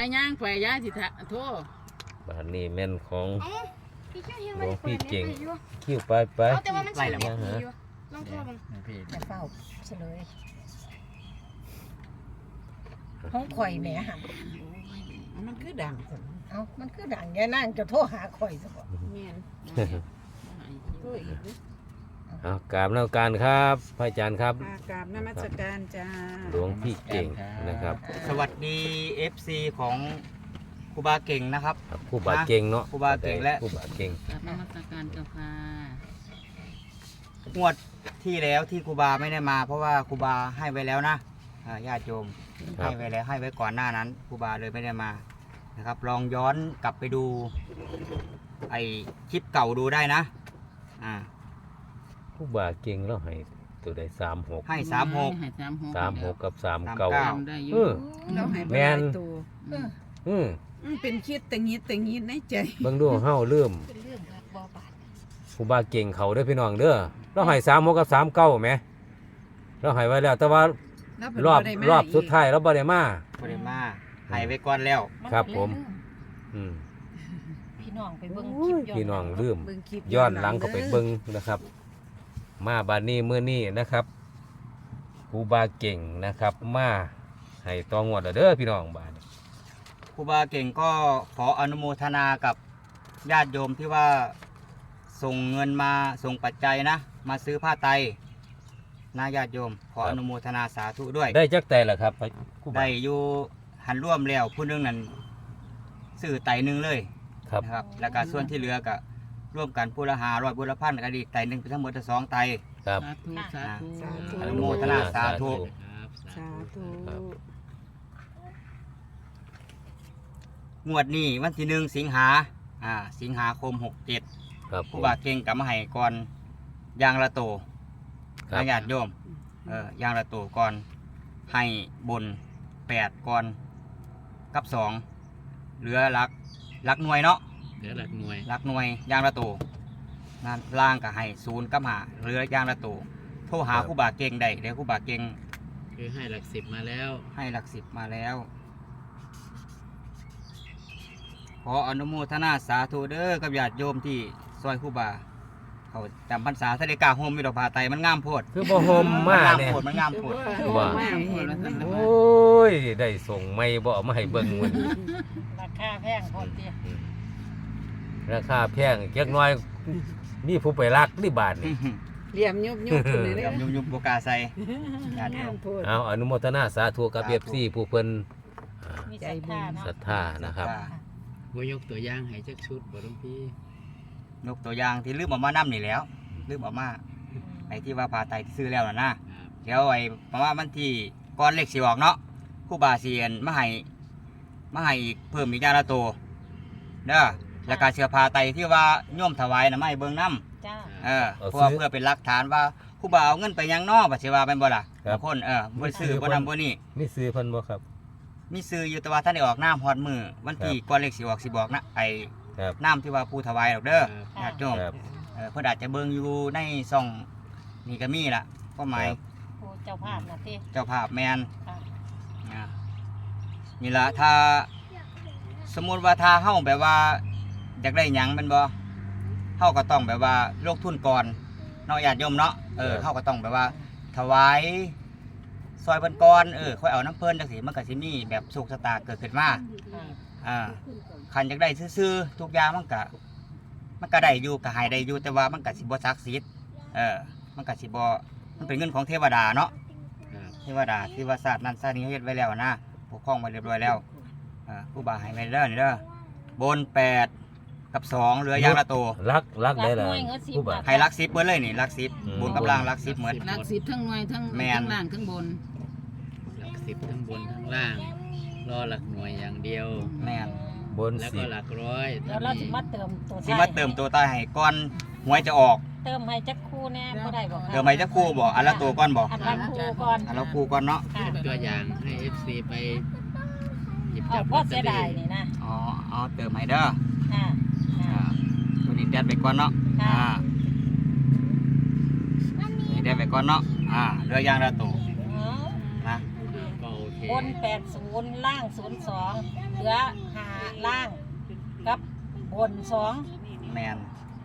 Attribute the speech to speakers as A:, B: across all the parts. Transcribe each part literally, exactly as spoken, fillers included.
A: ย่างไปย่าสิทะโทษ
B: บานนี้แม่นของหลวงพี่เก่งคิ้วไปไป
C: แต่ว่ามันใส่แล้วลองโทรบัง
D: จะเฝ้าเฉลยห้องข่อยแหม่หัน
A: มันคือดัง
D: เอ้ามันคือดังแย่นั่งจะโทรหาข่อยซะบ่
A: แม่นโทษอีก
B: เอากราบนมัสการครับพระอาจารย์ครับ
A: กราบนมัสการจ้า
B: หลวงพี่เก่งนะครับ
E: สวัสดี เอฟ ซี ของครูบาเก่งนะครับ
B: ผู้บาเก่งเนาะ
E: ครูบาเก่งและ
B: ผู้บาเก่ง
A: กราบนมัสการเจ้าค่ะ
E: งวดที่แล้วที่ครูบาไม่ได้มา เพราะว่าครูบาให้ไว้แล้วนะอ่าญาติโยมให้ไว้แล้วให้ไว้ก่อนหน้านั้นครูบาเลยไม่ได้มานะครับลองย้อนกลับไปดูไอคลิปเก่าดูได้นะอ่า
B: ผู้บาเก่งแล้วให้ตัวใดสามหก
E: ให้สามหก
A: ให้สามหก
B: สามหกกับสาม
E: สาม
B: เก้า
E: เก้า
A: ได้อ
B: เอยู่ อ
A: เราให้
B: แม่น
A: ตัว
B: อืม
A: มันเป็นคิดแต่งี้แต่งี้ในใจ
B: เบิ่งดูเฮาเริ่ม
D: เป็นเรื่องครับบ่บาด
B: ผู้บาเก่งเขาเด้อพี่น้องเด้อเราให้สามหกกับสามเก้าไหมเราให้ไว้แล้วแต่ว่ารอบรอบสุดท้ายเราบ่ได้มา
E: ไม่ได้มาให้ไว้ก่อนแล้ว
B: ครับผม อืม
D: พี่น้องไปเบิ่งคลิปย้อน
B: พี่น้องลืม
A: เบิ่งคลิป
B: ย้อนหลังก็ไปเบิ่งนะครับ มาบานนี้มื้อนี้นะครับครูบาเก่งนะครับ มาให้ตองวดแล้วเด้อพี่น้องบาดนี้
E: ครูบาเก่งก็ขออนุโมทนากับญาติโยมที่ว่าส่งเงินมาส่งปัจจัยนะ มาซื้อผ้าไตรนะญาติโยม ขออนุโมทนาสาธุด้วย
B: ได้จักแต่ละครับครูบา
E: ได้อยู่หันร่วมแล้วผู้หนึงนั้นซื้อไตรหนึงเลย
B: ครับ
E: นะครับ แล้วก็ส่วนที่เหลือก็ร่วมกันผู้ละหาร้อยผู้ละพันก็ดีไตรหนึ่งเป็นทั้งหมดสองไตร
B: ครับ
A: สาธุสาธุ
E: อนุโมทนาสาธุ
A: สาธุ
B: ครับ
E: งวดนี้วันที่หนึ่งสิงหาอ่าสิงหาคมหกเจ็ด
B: ครับผ
E: ผู้
B: ม
E: บาเก่งกับมาให้ก่อนยางละโต
B: ครับ
E: ญาติโยมเออย่างละโตก่อนให้บนแปดก่อนกับสองเหลือหลักหลักหน่วยเนาะ
F: เหลือหลักหน่วย
E: หลักหน่วยยางละโตนั่นล่างก็ให้ศูนย์กับหาเหลือยางละโตโทรหาผู้บาเก่งได้เดี๋ยวผู้บาเก่ง
F: คือให้หลักสิบมาแล้ว
E: ให้หลักสิบมาแล้ว ขออนุโมทนาสาธุเด้อกับญาติโยมที่ซอยผู้บาเขาจำพรรษาทะเลกาโฮมมีดอกผาไตรมันงามโพด
B: คือบ่ห่มมา
E: มันงาม
B: เนี่ย
E: โพดมันงามโพด
B: ว่า โอ้ยได้ส่งไม่บ่เอามาให้เบิ่งมัน
D: ราคาแพงพอเตี้ย
B: ราคาแพงจักหน้อยมีผู้ไปรักนี่บาทนี่
A: เหลี่ยมยุบยุบขึ้นเลย
E: เดี๋ยว
A: เด้อ
E: ยุบยุบโบกล้าใส่ญาติโย
A: งาม
E: ม
A: โพด
B: เอาอนุโมทนาสาธุกับ
E: สาธุ
B: เอฟซีผู้เพิ่นอ่า
D: มีศรัทธาเนาะ
B: ศรัทธานะครับ
F: ว่ายกตัวอย่างให้จักชุดบ่หลวงพี่
E: ยกตัวอย่างที่ลืมเออกมานํนี่แหล้วลืมเออกมาไอ้ที่ว่าผาไตรที่ซื้อแล้วน่ะนะครับ เดี๋ยวไอ้ประมาณวันที่ก่อนเลขสิออกเนาะครูบาเสียนมาให้มาให้อีกเพิ่มอีกอย่างละโตเด้อแล้วก็เสื้อผ้าไตรที่ว่าโยมถวายน่ะมาให้เบิ่งนํ
D: จ้า
E: เออเพื่อเพื่อเป็นหลักฐานว่าครูบาเอาเงินไปยังนอกปัจจุบันเป็นบ่ล่ะ
B: ครับ
E: บางคนเออบ่ซื้อบ่นำบ่นี่
B: มีซื้อเพิ่นบ่ครับ
E: มีซื้ออยู่แต่ว่าท่านได้ออกน้ำฮอดมือวันที่ก่อนเลขสิออกสิบอกนะไอ้
B: ครับ
E: น้ำที่ว่าผู้ถวายดอกเด้อ
F: ครับ
E: ญาติโยม
B: ครับ
E: เออเพิ่นอาจจะเบิ่งอยู่ในซ่องนี่ก็มีล่ะก็หมาย
B: ครับ
D: โอ้เจ้าภาพนะติ
E: เจ้าภาพแมน
D: ค่ะ
E: อ่านี่ล่ะถ้า สมมุติว่าถ้าเฮาแบบว่าอยากได้หยังแม่นบ่เฮาก็ต้องแบบว่าลงทุนก่อนเนาะญาติโยมเนาะเออ
B: ครับ
E: เฮาก็ต้องแบบว่าถวายซอยเพิ่นก่อนเออค่อยเอาน้ำเพิ่นจังซี่มันก็สิมีแบบโชคชะตาเกิดขึ้นมา
D: ค่ะ
E: อ่าคันอยากได้ซื่อๆทุกอย่างมันก็มันก็ได้อยู่ก็ให้ได้อยู่แต่ว่ามันก็สิบ่ศักดิ์สิทธิ์เออมันก็สิบ่มันเป็นเงินของเทวดาเนาะ
F: ครับ
E: เทวดาที่ว่าศาสตร์นั้นศาสตร์นี้เฮ็ดไว้แล้วนะปกครองไว้เรียบร้อยแล้วอ่าครูบาให้ไว้เด้อนี่เด้อบนแปดกับสองเหลือยางละโต
B: รักรักได้ล่ะผู้บา
E: ให้ลักสิบเบิดเลยนี่ลักสิบ
B: อืม
E: บนกับล่างลักสิบเหมือน
A: หลักสิบทั้งหน่วยทั้ง
E: แม่น
A: ทั้งล่างทั้งบน
F: หลักสิบทั้งบนทั้งล่าง รอหลักหน่วยอย่างเดียว
E: แม่น
B: บน
F: แล้ว
B: สิ
F: ก็
B: บ
F: หลักร้อย
D: เดี๋ยวเราสิมาเติมตัว
E: สิมาเติมตัวใต้ให้ก่อนหวยจะออก
D: เติมให้จักคู่แน่บ่ได้บ่ค่ะ
E: เติมให้จักคู่บ่อันละตัวก่อนบ่
D: อันละคู่ก่อน
E: อันละคู่ก่อนเนาะ
D: ค่ะ
F: เป็นตัวอย่างให้ เอฟ ซี ไปหยิบ
D: เอา
F: จับ
D: พอเสียดายนี่นะ
E: อ๋อเอาเติมให้เด้อ
D: ค่ะ
E: อ่า
D: ค่ะ
E: ตัวนี้แดดไปก่อนเนาะ
D: ค่ะ
E: อ่านี่แดดไปก่อนเนาะอ่าเหลือยางละตัว
D: อ๋อ
E: นะ
F: ก็โอเค
D: บนแปดสิบล่างศูนย์สองเหลืลือหาล่างกับบนสอง
E: แมน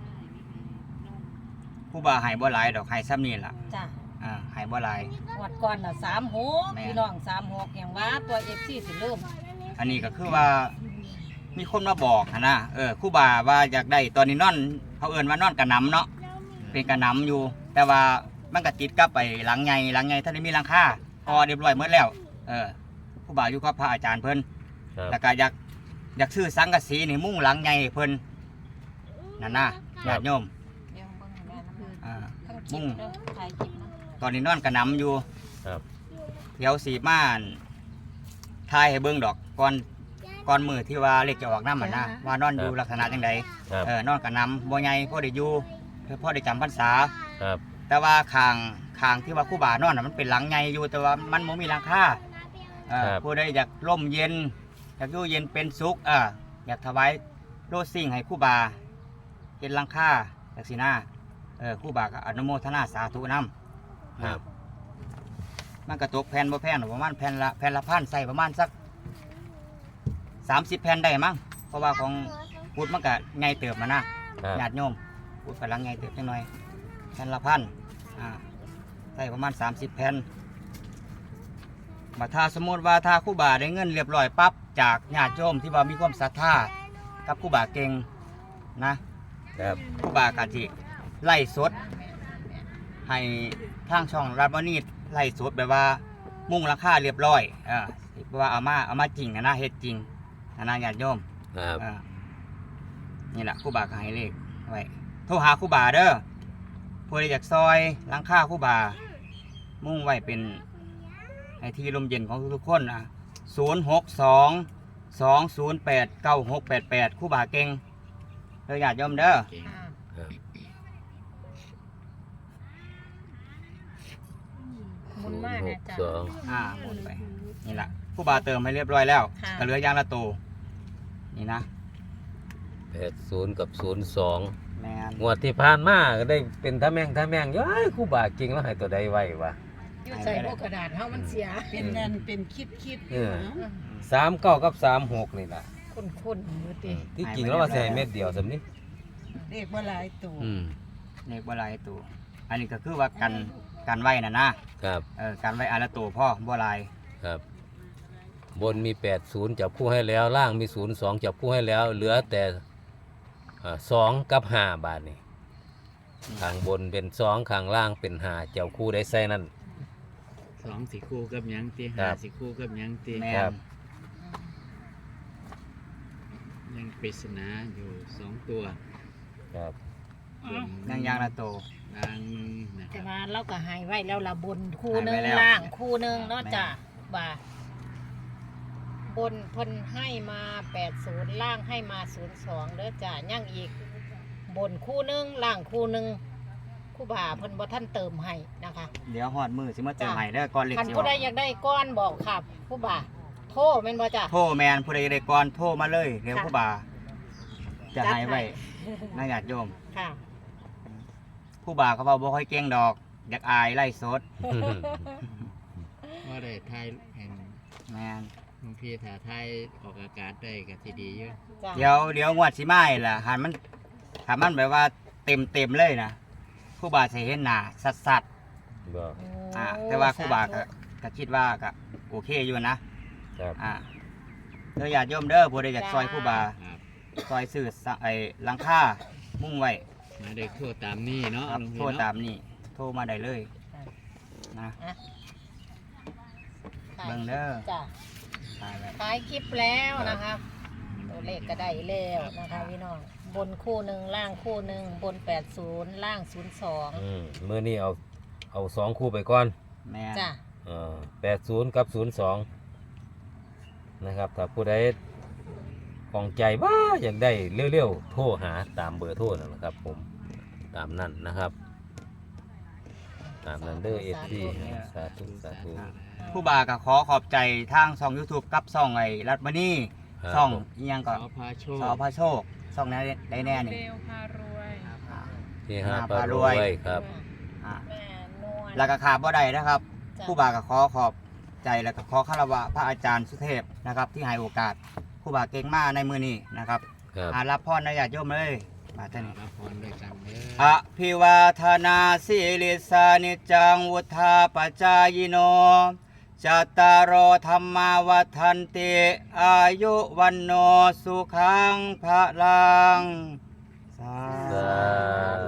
E: ครูบาให้บ่หลายดอกให้ซ้ำนี่ล่ะ
D: จ้ะ
E: อ่าให้บ่หลาย
D: งวดก่อนน่ะสามหก
E: แม่
D: พี่น้องสามหกอย่างว่าตัวเอฟซีสิเริ่ม
E: อันนี้ก็คือว่ามีคนมาบอกหั้นนะเออครูบาว่าอยากได้ตอนนี้นอนเขาเอิ้นว่านอนกระหนำเนาะเป็นกระหนำอยู่ แต่ว่ามันก็ติดกับไปหลังใหญ่หลังใหญ่ท่านได้มีหลังคาพอเรียบร้อยหมดแล้วเออครูบาอยู่กับพระอาจารย์เพิ่น
B: ครับ
E: แล้วก็อยากอยากซื้อสังกะสีนี่มุ้งหลังใหญ่ให้เพิ่นนั่นนะญาติโยม
D: เดี๋ยวเบิ่งให้แม่น้ำ
E: อ่า
D: ทั้งคลิ
E: มุ่
D: ป
E: ง
D: เด้อถ่ายคลิปนะ
E: ตอนนี้นอนกระหนำอยู่
B: ครับ
E: เดี๋ยวสีม่านทายให้เบิ่งดอกก่อนก่อนมือที่ว่าเลขจะออกน้ำมันนะว่านอนอยู่ลักษณะจังใด
B: ครับ
E: เออนอนกระหนำบ่ใหญ่พ่อได้อยู่พ่อได้จำพรรษา
B: ครับ
E: แต่ว่าคางคางที่ว่าครู่บานอนน่ะมันเป็นหลังใหญ่อยู่แต่ว่ามันบ่มีหลังคาเออผู้ใดอยากร่มเย็นอยากอยู่เย็นเป็นสุขเอออยากถวายโลสิ่งให้ครู่บาเฮ็ดหลังคาจักสินะเออครู่บาก็อนุโมทนาสาธุนำ
B: ครับ
E: มันกระตกแผ่นบ่แผ่นหรอกประมาณแผ่นละแผ่นละพันใส่ประมาณสักสามสิบแผ่นได้มั้งเพราะว่าของพุทธมันก็ไงเติบมานะครับ ญาติโยมพุทธกำลังไงเติบจังหน่อยแผ่นละพันอ่าใส่ประมาณสามสิบแผ่นมาถ้าสมมติว่าถ้าครู่บาได้เงินเรียบร้อยปั๊บจากญาติโยมที่ว่ามีความศรัทธากับครู่บาเก่งนะครับ ครู่บากะจิไล่สดให้ทางช่องรัฐมณีไล่สดแบบว่ามุ่งราคาเรียบร้อยเออว่าเอามาเอามาจริงนะนะเฮ็ดจริงนะนะญาติโยม
B: ครับ
E: เออนี่แหละครู่บาก็ให้เลขไว้โทรหาครู่บาเด้อผู้ใดอยากซอยหลังคาครู่บา มุ่งไว้เป็นให้ที่ลมเย็นของทุกๆคนอ่ะศูนย์หกสองสองศูนย์แปดเก้าหกแปดแปดครู่บาเก่งเด้อญาติโยมเด้อ
F: เก่ง
D: อ่า
B: ครับ
D: หมุนมากนะจ๊ะ
B: สอง
E: อ่าหมุนไปนี่แหละครู่บาเติมให้เรียบร้อยแล้ว
D: ค่ะ
E: ก็เหลือยางละโตนี่นะ
B: แปดศูนย์กับศูนย์สอง
E: แมน
B: งวดที่ผ่านมาก็ได้เป็นท่าแม่งท่าแม่งย้ายครู่บาจริงแล้วให้ตัวใดไว้วะ
D: อยู่ใส่พวกกระดาษเฮามันเสีย
A: เป็นนั่นเป็นคิดคิด
B: เออ สามเก้ากับสามหกนี่แหละ
D: คุ้นๆอยู่ติ
B: ที่จริงแล้วว่าใส่เม็ดเดียวสำนี้
A: เด็กว่าหลายตัว
B: อืม
E: เลขบ่หลายตัวอันนี้ก็คือว่ากันกันไว้น่ะนะครับ เออกันไว้อันละตัวพ่อบ่หลาย
B: ครับ บนมีแปดศูนย์จับคู่ให้แล้ว ล่างมีศูนย์สองจับคู่ให้แล้ว เหลือแต่สองกับห้าบาทนี่ข้างบนเป็นสองข้างล่างเป็นห้าเจ้าคู่ได้ใส่นั่น
F: สองสีคู่กับหยังตี
B: ครั
F: ห้า
B: บ
F: สีคู่กับหยังตี
E: แม่
B: ครับ
E: น
F: ยังปริศนาอยู่สองตัว
B: ครับ
F: บน
E: ยังยางละตัว
F: ล่างหนึ่งนะค
D: แต่
F: รับ
D: ว่าเราก็ใหายไว้แล้วละบนคู่หนึง
E: หายไว้แล้ว
D: ล่างคู่หนึงเนาะ
E: แม่
D: จ้ะว่าบนเพิ่นให้มาแปดศูนย์ล่างให้มาศูนย์สองเด้อจ้ะยังอีก บนคู่หนึงล่างคู่หนึงคู่บ่าเพิ่นบ่ท่านเติมให้นะคะ
E: เดี๋ยวหอดมือสิมาเติม
D: จ้ะ
E: ให้เด้อก่อนเลข
D: คัน
E: สิอ
D: ผู้
E: อก
D: ใดอยากได้ก้อนบอกครับคู่บ่าโทรแม่นบ่จ้ะ
E: โทรแมนผู้ใดได้ก่อนโทรมาเลยเดี๋ยว
D: ค่ะ
E: ครู่บา จะให้ไว้
D: จัด
E: นะญาติโยม
D: ค่ะ
E: ครู่บาเขาเว้าบ่ค่อยเก่งดอก อยากอายไล่สด
F: ว่าได้ทายแห่ง
E: แมน
F: บางทีถ้าทายออกอากาศได้ก็ทีดีอยู่
D: จ้ะ
E: เดี๋ยวเดี๋ยวงวดสิมาอีกล่ะหันมันหันมันแบบว่าเต็มเต็มๆเลยนะครู่บาสิเห็นหน้าสัด
B: บอก
E: ๆอ่าแต่ว่าครู่บาก็ก็คิดว่าก็โอเคอยู่นะครับ อ่าเด้อญาติโยมเด้อผู้ใดอยากซอยครู่บา
F: ครับ
E: ซอยซื้อสะไอ้หลังคามุ่งไว้
F: มาได้โทษตามนี่เนาะ
E: ครับ
F: หลวง
E: โท
F: พี่
E: ร
F: เนาะ
E: ตามนี่โทรมาได้เลยนะ
D: ค่ะ
E: เบิ่งเด้อ
D: จ้ะ
E: ตายแล้ว
D: ท้ายคลิปแล้วนะคะตัวเลขก็ได้แล้วนะคะพี่น้องบนคู่หนึ่งล่างคู่หนึ่งบนแปดศูนย์ล่างศูนย์สอง
B: อืมเมื่อนี้เอาเอาสองคู่ไปก่อน
E: แม่
D: จ้ะ
B: แปดศูนย์กับศูนย์สองนะครับถ้าผู้ใดของใจว่าอยากได้เร็วๆโทรหาตามเบอร์โทรนั่นแหละครับ ผมตามนั่นนะครับ ตามนั้นเด้อเอฟซีสาธุสาธุ
E: ผู้บาก็ขอขอบใจทางช่อง YouTube กับช่องไอ้รัฐมณี
B: ครับ
E: ช่อง
B: ผม
E: อีหยัง
F: ข
E: ก็
F: อพาโชค
E: สอพระโชคช่องนั้นได้แน่นี่
A: เร็วพารวย
E: อ่า
B: ที่ห้า
E: ห้า
B: ปลา
E: ปลาร ร
B: ว
E: วย
B: ยครับ
E: อ่า
D: แม่นวล
E: แล้วก็ขาดบ่ได้นะครับ
D: จ้ะ
E: ผู้บาก็ขอขอบใจแล้วก็ขอคารวะพระอาจารย์สุเทพนะครับ ที่ให้โอกาสครูบาเก่งมากในมือนี้นะครับ
B: ครับ
E: อารับพรนะญาติโยมเลยมาท่านนี้
F: รับพรด้วยกันเด้อ
E: อภิวาทนาสิริสานิจังวุธาปจายโนจัตตารโอธรรมาวัฏันติอายุวันโนสุขังพระลังสา
B: สา